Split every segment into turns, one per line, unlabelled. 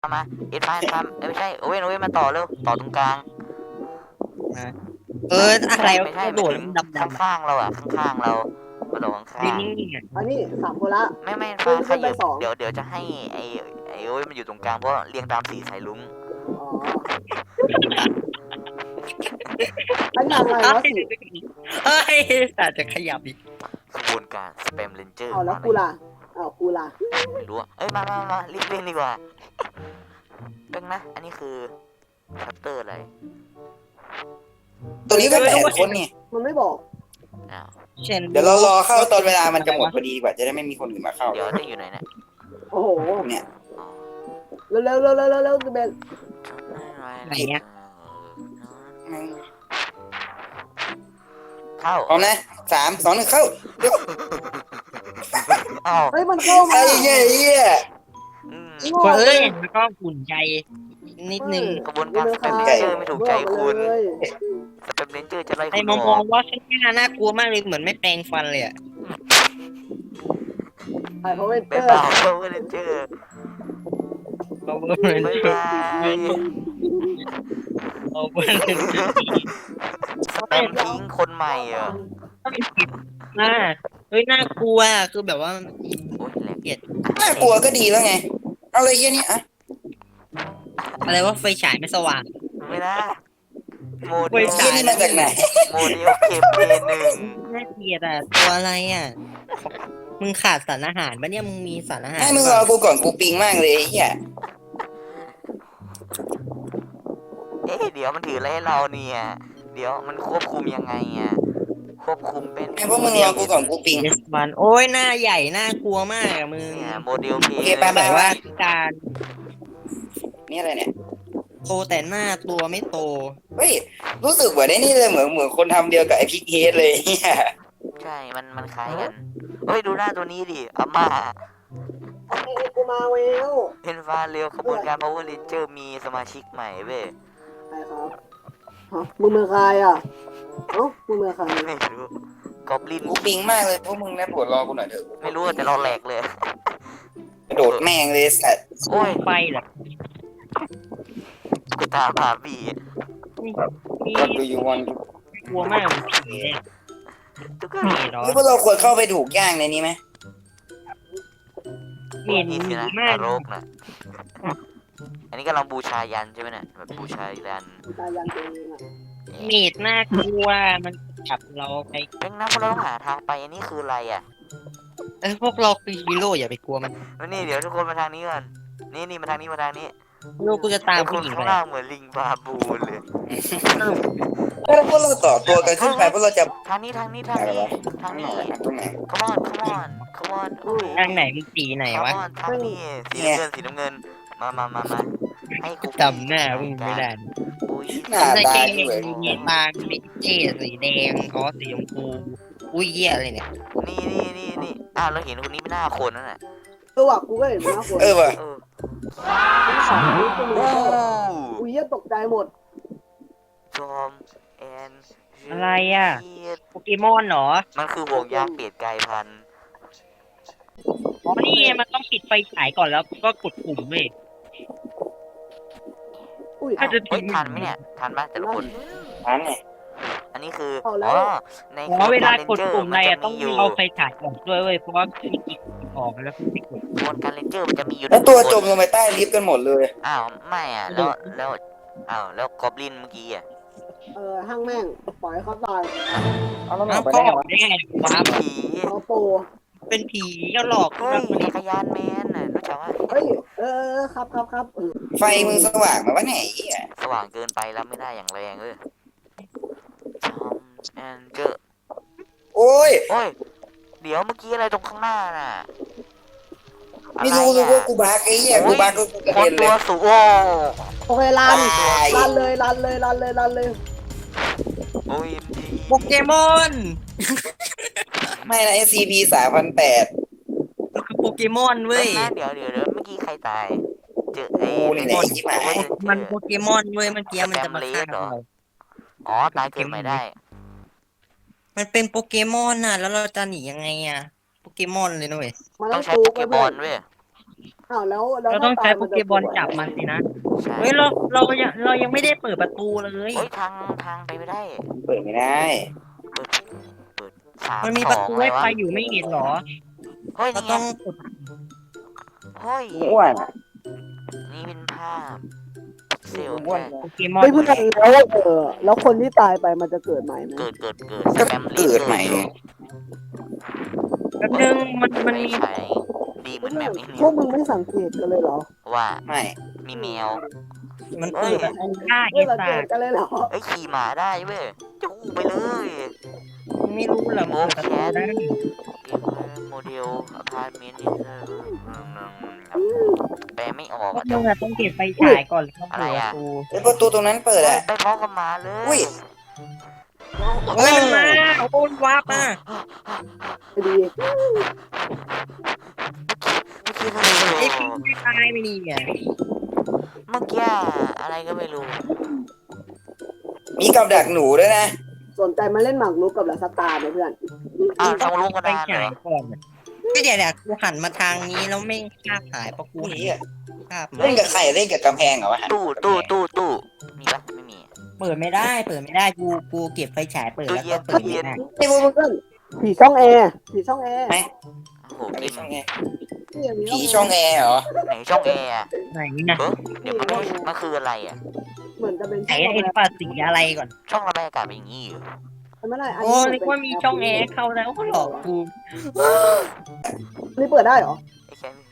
มาเอ็ดฟามไม่ใช่โอเว่นมาต่อเร็วต่อตรงกลาง
อะไร
ไม่ใช่
กระโดด
ถึง
ดำๆ
ข้างๆเราอ่ะข้างๆเรามาต่อข้าง
ยืนนิ่งๆอ่ะ
อันนี้3 คนละ
ไม่
ขึ้
ฟ้านขยับ
ไปสอง
เดี๋ยวจะให้ไอโอเว่นมันอยู่ตรงกลางเพราะเรียงตามสีสายลุ้ง
อ๋ออันนี้อะไรวะสิ
เฮ้ยอาจจะขยับอีก
กระบวนการสเปมเลนเจอร์
เอาแล้วกูล่ะเอากูล่ะ
ไม่รู้เอ้ยมารีบเล่นดีกว่าเป็นนะอันนี้คือชัปเตอร์อะไร
ตัวนี้ก็8 คนนี่
มันไม่บอก
อ้าว
เช่น
เดี๋ยวเรารอเข้าตอนเวลามันจะหมดพอดีดีกว่าจะได้ไม่มีคนอื่นมาเข้า
เดี๋ยวจะอยู่ไหนเนี่ย
โอ้โห
เนี่ย
เร็วเร็วเร็วเร็วเร็วเบน
ไหนเนี้ย
เข้า
พร้อมนะ3 2 1เข้าเดี๋ยว
อ้าว
เฮ้ยมันเข้ามา
ไอ้เหี้ย
อืม
คนเอ้ยแล้วก็อุ่นใจนิดนึง
กระบวนการสเปมเลนเจอร์ไม่ถูกใจคุณสเปมเลนเจอร์จะไล่
ไอ้
คุณ
มองว่าฉันน่ากลัวมากเลยเหมือนไม่แปรงฟันเลยอ่ะ
ไอ้เขาเป็น
ไม่
เตอ
เป
ร์
ล่าเปเลนเจอร์
เราเบอร์เลน
ไม่
เจอ
ได้
เราเบอร์เลนเจอ
สเปมทิ้งคนใหม่เหรอ
น่าเฮ้ยน่ากลัวคือแบบว่า
โอ้ยแหลก
เกลียด
น่ากลัวก็ดีแล้วไงเอาเลยเหี้ยนี่อ่ะ
อะไรว่าไฟฉายไม่สว่าง
ไม่ได้โมเด
ไม่
ล
ใช่
เหี้ยนี่มาจากไหน
โมเดลเกมเพลย์หนึ่ง
น่าเกลียดอ่ะตัวอะไรอ่ะมึงขาดสารอาหารปะเนี่ยมึงมีสารอาหาร
ให้มึงรอกูก่อนกูปิงมากเลยไอ้เหี้ย
เดี๋ยวมันถืออะไรให้เราเนี่ยเดี๋ยวมันควบคุมยังไงอ่ะควบคุมเป็น
ให้พวกมึงรอกูก่อนกูปิง
เยสมันโอ้ยหน้าใหญ่น่ากลัวมากอะมึง
เนี่ยโมเดลเพล
โอเค
ย์
ไป
แบบว่าการ
นี่อะไรเนี่ย
โตแต่หน้าตัวไม่โต
เฮ้ยรู้สึกเหมือนไอ้นี่เลยเหมือนคนทำเดียวกับไอ้พิกเฮดเลยเหี้ย
ใช่มันคล้ายกันเฮ้ยดูหน้าตัวนี้ดิอาม่า
ไอ้กูมาแล้ว
เห็นฟ้าเร็วขบวนการ Power Ranger มีสมาชิกใหม่เว้ย
ใครครับฮะมึงเมือใครอ่ะเอ้ามึงเมือใคร
ไม่รู้กอบลิน
กูปิงมากเลยพวกมึงนะโปรดรอกูหน่อยเถอะ
ไม่รู้แต่เราแหลกเลย
กระโดดแม่งเลยสัตว์
โอ้ย
ไปเหรอ
กูตาบาร์บี้
What do you want
กลัวมากเลยผีเนี่ย
ตุ๊ก
ผีเหรอ
แล้วพวกเราควรเข้าไปถูกย่างในนี้ไหม
เห็น
นี่สินะ
มาน ก
รกนะอันนี้กำลังบูชายันใช่ไหมเนี่ยแบบบูชายัน
ตายันตัวเองอ่ะ
เมดน่ากลัวมันจับเราไป
เป็นนะพวกเราต้องหาทางไปอันนี้คืออะไรอ่ะ
พวกเราคือฮีโร่อย่าไปกลัวมัน
แล้วนี่เดี๋ยวทุกคนมาทางนี้ก่อนนี่มาทางนี้
ลูกกูจะตาม
ไอ้ค
ผู้
น
หญิง
ข้า
ไป
งล่างเหมือนลิงบาบูนเลย
ถ้าพวกเราต่อตัวกันขึ้นไปพวกเราจะ
ทางนี้
ไหนวะ
ทางนี้
ตรงไหน
come on
ทางไหนมึงสีไหนวะ
ทางนี้สีน้ำเงินมาให้กู
จำหน้ามึงไม่ได้
อุ้ย
หน้า
ได้
ตา
แค่
กูเหมือน
มีตาไม่เจ๊สีแดงอ๋อสีชมพูอุ้ยเหี้ยอะไรเนี่ย
นี่เราเห็นคนนี้เป็นหน้าคนนั่นแหละ
ตัวกูก็เห็นนะคน
เออว่ะ
สองนิ้วกู
โอ้
กูเยี่ยตกใจหมด
จอมแอน
อะไรอ่ะโปเกมอนเหรอ
มันคือห่วงยางเปลี่ยนกายพันธุ์
อ๋อนี่มันต้องปิดไฟฉายก่อนแล้วก็กดปุ่มเว้ย
อุ้ย
ถ้าจะ
เฮ้ยทันไหมเนี่ยทันปะแต่ละคน
อันไง
อันนี้คือ
เอาแล้ว
ใน
อ๋อเวลากดปุ่มอะไรอะ
มั
ต้อง
จะมีอยู่
เอาไฟฉายออกด้วยเว้ยเพราะว่ามีกิจออกแล้วไม่กด
กระบวนการเลนเจอร์มันจะมีอยู่
แล้วตัวจมลงไปใต้ลิฟต์กันหมดเลย
อ้าวไม่อ่ะแล้วกอบลินเมื่อกี้อ่ะ
ห้างแม่งปล่อยให้เขาตาย
เอาแล้วมัน
แล้
อ
ว
อกไป
ก็
ได้ไง
ออ
วะ
กได้ไงวะ
ผี
เขาโปร
เป็นผีก็หลอก
เฮ้ยจักรยานแมนน่ะรู้จักว่า
เฮ้ยครับ
ไฟมึงสว่างมาวะไหนยไอ้เหี้ย
สว่างเกินไปรับไม่ได้อย่างแรงเลยทอมแอนเจอ
โอ้ย
โอ้ยเดี๋ยวเมื่อกี้อะไรตรงข้างหน้าน่ะ
ไม่รู้เลยว่ากูบักไอ้เหี้ยกูบักก็กูกระ
คน
เด็นเล
ตั
ยว
สูงโอ้
โอเคลันเลย
โอ้ยดี
โปเกมอน
ไม่นะ SCP 3008
มันคือโปเกมอนเว้ย
เดี๋ยวเมื่อกี้ใครตายเจอ
กูนี่แหละไอ้ชิบหาย
มันโปเกมอนเว้ยเมื่อกี้มันจะมาฆ่าเรา
อ๋อตายเกิดใหม่ได้
มันเป็นโปเกมอนน่ะ แล้วเราจะหนียังไงอ่ะโปเกมอนเลยนะเว้ย
มัน
ต้
ต้
อ
อง ง
ใช้
จู
โป
ก
เก
ไป
ม
ด้
อ
วย
นเว้ย
อ้าวแล้ว
เราต้องใช้โปเกมอนจับมันสินะ
ใช่
เฮ้ยเรายังไม่ได้เปิดประตูเลย
เฮ้ยทางไปไม่ได้
เปิดไม่ได้
เปิดสาม
มันมี
ส
ประ
อง
ตู
อะไร
ให้
วะ
ไปอยู่ไม่เห็นเหรอ
เฮ้ย
เรา
นี่ไง
ต้องกด
เฮ้ย
อ้วนอะ
นี่เป็นภาพเซล
อ้วน
แค่
โปเกมอน
ไม่เพื่อนแล้วแล้วคนที่ตายไปมันจะเกิดใหม่ไหม
เกิดส
ก็
แปม
เกิดใหม่ไง
แป๊บนึงมันมี
ใช้ดีเหมือนแบบนี้
พวกมึงไม่สังเกตกันเลยเหรอ
ว่า
ไม่
มีแมว
มันเปิดอะไรได้ไอ้
ไม่สัง
สั
เกต
ตว์
กันเลยเหรอ
เอ้ยขี่หมาได้เว้ยจู้ไปเลย
ไม่รู้เหรอมันเปิดประตูได้
เกมโมเดลอพาร์ตเมนต์นี่แปลไม่ออก
พวก
อะ
มึงอะต้องเก็บไฟฉายก่อนแล้วต้องเปิดประตู
แล้วประตูตรงนั้นเปิดอะ
ไปพร้อมกับหมาเลย
อุ้ย
เฮ้ยมันมาโอนวาร์ปมา
ดี
ไอ้พี่ไม่ตายไม่นี่ไง
เมื่อกี้อะไรก็ไม่รู้
มีกับดักหนูด้วยนะ
สนใจมาเล่นหมากรุกกับลาสตาร์ไหมเพื่อน
อ้าวทำลูกกระ
ไฟ
ดานเหร
ฉาย
อ
ก่อนอะก็เดี๋ยวกูหันมาทางนี้แล้วไม่คาบหายเพราะกู
นี่อะ
คาบมา
เล่นกับใครเล่นกับกำแพงเหรอวะ
ตู้มีปะไม่มี
เปิดไม่ได้กูเก็บไฟฉายเปิดแล้วก็เปิดไม่ได้
ไอ้พวกเพื่อนผีช่องแอร์ผีช่องแอร์
โอ้โห
อะไร
กิน
ช่องแอร์
นี่อย่างนี้
ผีช่องแอร์เหรอ
ไหนช่องแอร์อะ
ไหนนะ
เฮ้ยเดี๋ยวมันคืออะไรอ่ะ
เหมือนจะเป็น
ไหน
ช่อง
ไอ้
แอร์
ปาสีอะไรก่อน
ช่องระบายอากาศเป็นอย่างนี้เหรอ
ไม่ได้
โอ้นึกว่ามีช่องแอร์เข้าแล้วก็หลอกกู
นี่เปิดได้เหรอ
ไอ้แค่นี้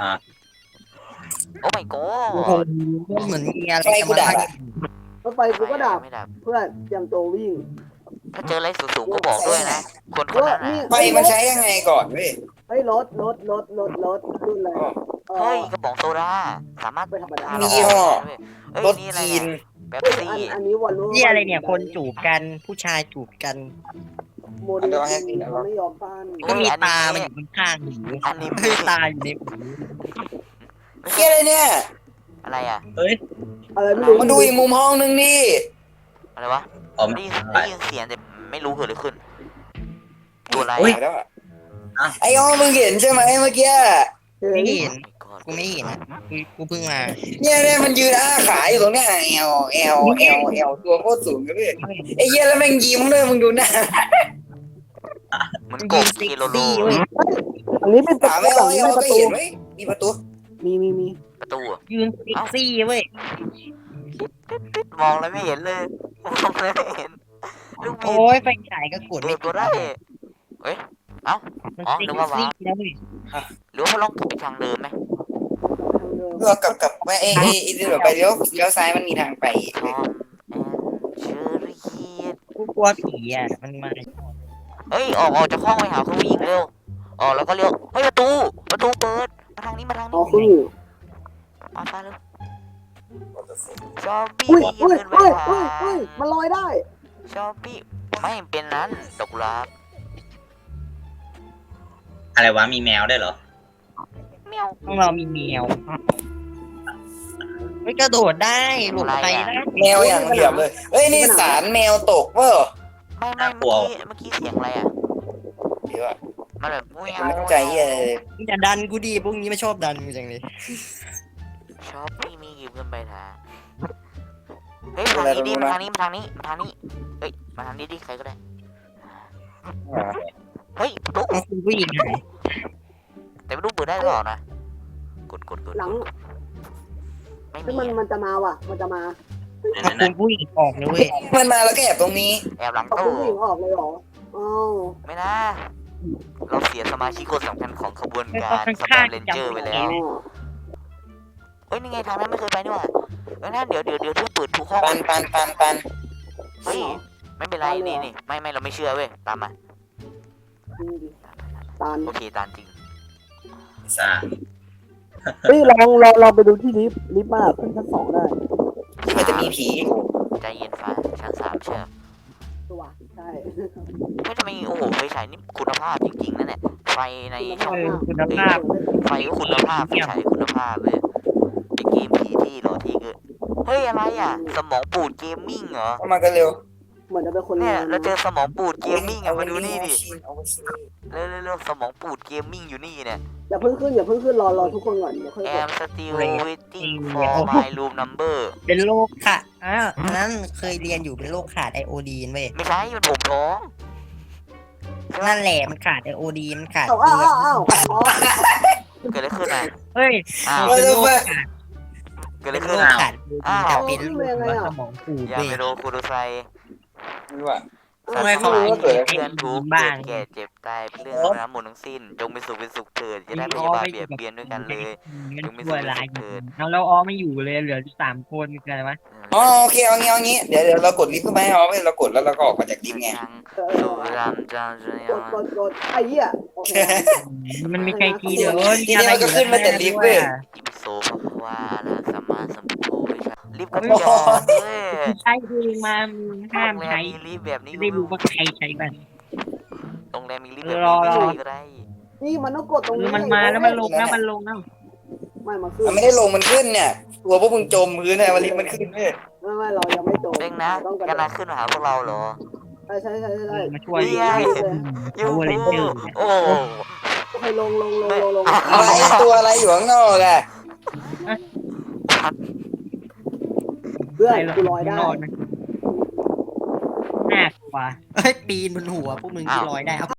โอ้ my
โอ้
god
โหเหมือนมีอะไร
ไฟกูดับอะ
รถไฟกูก็ดับ
ไม่ดับ
เพื่อนเตรียมตัววิ่ง
ถ้าเจออะไรสูงๆก็บอกด้วยนะ คนคนนั้น
นี่
อ่ะ
ไฟมันใช้ยังไงก่อนเว้ย
เฮ้ยรถรุ่นอะไร
เฮ้ยกระป๋องโซดาสามารถ
ไม่ธรรมดา
หาเราออกได้เฮ้ย
รถ
นี่อะไร
จีน
เนี่ยแบบซี่
อันนี้วันรู้
นี่อะไรเนี่ยคนจูบกันผู้ชายจูบกัน
โมเดลเขาไม่ยอมปั้น
ก็มีตามันอยู่ข้างๆหู
อันนี้
ไม่ตาอยู่ในหู
เฮียอะไรเนี่ย
อะไรอ่ะ
อะไรไม่รู้
มาดูอีกมุมห้องนึงดิ
อะไรวะ
อ๋อ
ได้ยินเสียงแต่ไม่รู้เกิดอะไรขึ้น ตัวอะไร
อุ๊ย
อะ
แล้วอะไอ้อ้อมึงเห็นใช่ไหมเมื่อกี้
ไม่เห็น
Oh my god
กูไม่เห็นอะกูเพิ่งมา
เนี่ยมันยืนอ้าขาอยู่ตรงเนี้ยเอลตัวโคตรสูงกันเลยไอ้เหี้ยแล้วแม่งยิ้มด้วยมึงดูหน้า
มันก
ยื
บ
นเซ็ก
กิโลโล
ซี่เว้ย
อันนี้เป็นประ
ถาม
ตู
ไอ้
หลั
อ้อง ไอ้
นี้
อ้
เป็
อน ก็
ประตู
เห็นไหมมีประตู
มี
ประตูอะ
ยืนเซ็กซี่เว้ย
มองแล้วไม่เห็นเลยมองแล้วไม่เห็นลูกบิ
โอ้
ด
ยไฟฉายก็กด
เปิ
ไม่
ดตัวได้เฮ้ย
มัน
อ๋อ
เซ็ก
นึกว่า
ซี่
วาร์ป
แล้วเว้ย
หรือว่าเขาลองกลับไปทางเดิมไหม
เลือกกับไปเดี๋ยวไปเลี้ยวซ้ายมันมีทางไป
ทอมแอนเชอรี่
กูกลัวผีอ่ะมันมา
เฮ้ยออกจากห้องไปหาคุณผู้หญิงเร็วออกแล้วก็เลี้ยวเฮ้ยประตูเปิดมาทางนี้
อ๋อคุณอยู่
มาเร็วชอบบี้
อุ้ย
เงินไปหา
มันลอยได้
ชอบบี้ไม่เป็นนั้นดอกกุหลาบ
อะไรวะมีแมวได้วยเหรอ
เมียว
ต้องเรามีแมวไม่กระโดดได้หลบไปได้
แมวอย่างเหลี่ยมเลยเอ้ยนี่สารแมวตกเปล่า
ไม่เมื่อกี้เสียงอะไรอ่ะ
เดี๋ยวอะ
มันแบบ
ไม่เข้าใจเหี้ยอะไรเลย
อย่าดันกูดีพวกนี้ไม่ชอบดันกูจังเลย
ชอบบี้มียืมเงินไปหาเฮ้ยมาทางนี้มาทางนี้เฮ้ยมาทางนี้ดิใครก็ได้เฮ้ยประตู
มันคือผู้หญิงหาย
แต่ไม่รู้เปิดได้หรือเปล่านะกด
หลัง
ไม่
ที่
มี
มันจะมาว่ะ มันจะมา
มันคือผู้หญิงออกเลยเว้ย
มันมาแล้วก็แอบตรงนี้
แอบหลัง
เอา
ตู้
ผู้หญิงออกเลยเหรออ้าว
ไม่นะเราเสียสมาชิกคนสำคัญของขบวนการสแปมเรนเจอร์ไปแล้ว เฮ้ยนี่ไงทางนั้นไม่เคยไปนี่หว่าเฮ้ยนั่นเดี๋ยวที่เปิดทุกห้อง
ปัน
เฮ้ยไม่เป็นไรนี่ไม่เราไม่เชื่อเว้ยตามมา
ตาน
โอเคตามจริง
สา
เฮ้ยลองไปดูที่ลิฟต์มากขึ้นชั้น 2ได้
ที่มันจะมีผีอยู่
ใจเย็นฟ้าชั้น3เชื่อ
ตัวใช่
ไม่ทำไมโอ้โหไฟฉายนี่คุณภาพจริงๆนั่นแหละไฟในช่อง
คุณภาพ
ไฟก็คุณภาพไฟฉายคุณภาพเลยเป็นเกมผีที่หรอที่เกิดเฮ้ยอะไรอ่ะ สมองปูดเกมมิ่งเหรอ
เข้ามากันเร็ว
เหมือนจะเป็นคน
เนี่ยเราเจอสมองปูดเกมมิ่งอ่ะมาดูนี่ดิ
เอาไปสิ
เร็วสมองปูดเกมมิ่งอยู่นี่เนี่ย
อย่าเพิ่งขึ้นอย่าเพิ่งขึ้นรอทุกคนก่อนเดี๋ยวค่อยกด
am still waiting for my room number
เป็นโรคค่ะอันนั้นเคยเรียนอยู่เป็นโรคขาดไอโอดีนเว้ย
ไม่ใช่มันผมท้อง
นั่นแหละมันขาดไอโอดีนมันขาด
อ้าวอ๋อ
เกิดอะไรขึ้นอ่ะ
เฮ้ย
อ้าว
เป็นโรคขาด
เกิดอะไร
เป็นโร
ขึ้น
ค
อ่ะ
ขาดแต่เป็นโรคหัวสมองปูด
ยา
เว้ย
เมโรคูโดไซ
ไม่ว่า
สัตว์ทั้งหลายที่มีเพื่อนทุกข์เกิดแก่เจ็บตายเป็นเรื่องน้ำหมดทั้งสิ้น จงเป็นสุขเถิดอย่าได้พยาบาทเบียดเบียนด้วยกันเลย
มันช่วยอะไรเอาเราอ้อไม่อยู่เลยเหลือ3 คนกันวะ
อ๋อโอเคเอางี้เดี๋ยวเรากดลิฟต์ขึ้นไปให้เอาไว้เรากดแล้วเราก็ออกมาจากลิฟต์ไง
สุรามจามจยาก
ดไอ้เหี้ยโอเค
มันมีใครกีเดียว
ทีนี้เราก็ขึ้นมาแต่ลิฟต์เว้ย
อิปิโซภควาละสัมมาสัมพุทโธวิชาลิฟต์กระจอกเว้ย
ใช้คือมาห้ามใช้
มีลิฟต์แบบนี้
ไม่รู้ว่าใครใช้บ้าง
โรงแรมมีลิฟต์แบบนี้ไม่ใช่ก็ได้
นี่มันต้องกดตรงนี้
มันมาแล้วมันลงแล้วมันลงแล้ว
ไม่มาขึ้น
มันไม่ได้ลงมันขึ้นเนี่ยตัวพวกมึงจมพื้นเนี่ยมันลิฟต์มันขึ้นเว้ย
ไม่เรายังไม่จบ
เด้งนะกันนะขึ้นมาหาพวกเราเหรอ
ใช่
มาช่วย
ยูฮูโอ้
โอเคลง
อะไรตัวอะไรอยู่ข้างนอกอะ
เพื่อนกูลอยได้
น่ากลัวเฮ้ยปีนบนหัวพวกมึงที่ลอยได้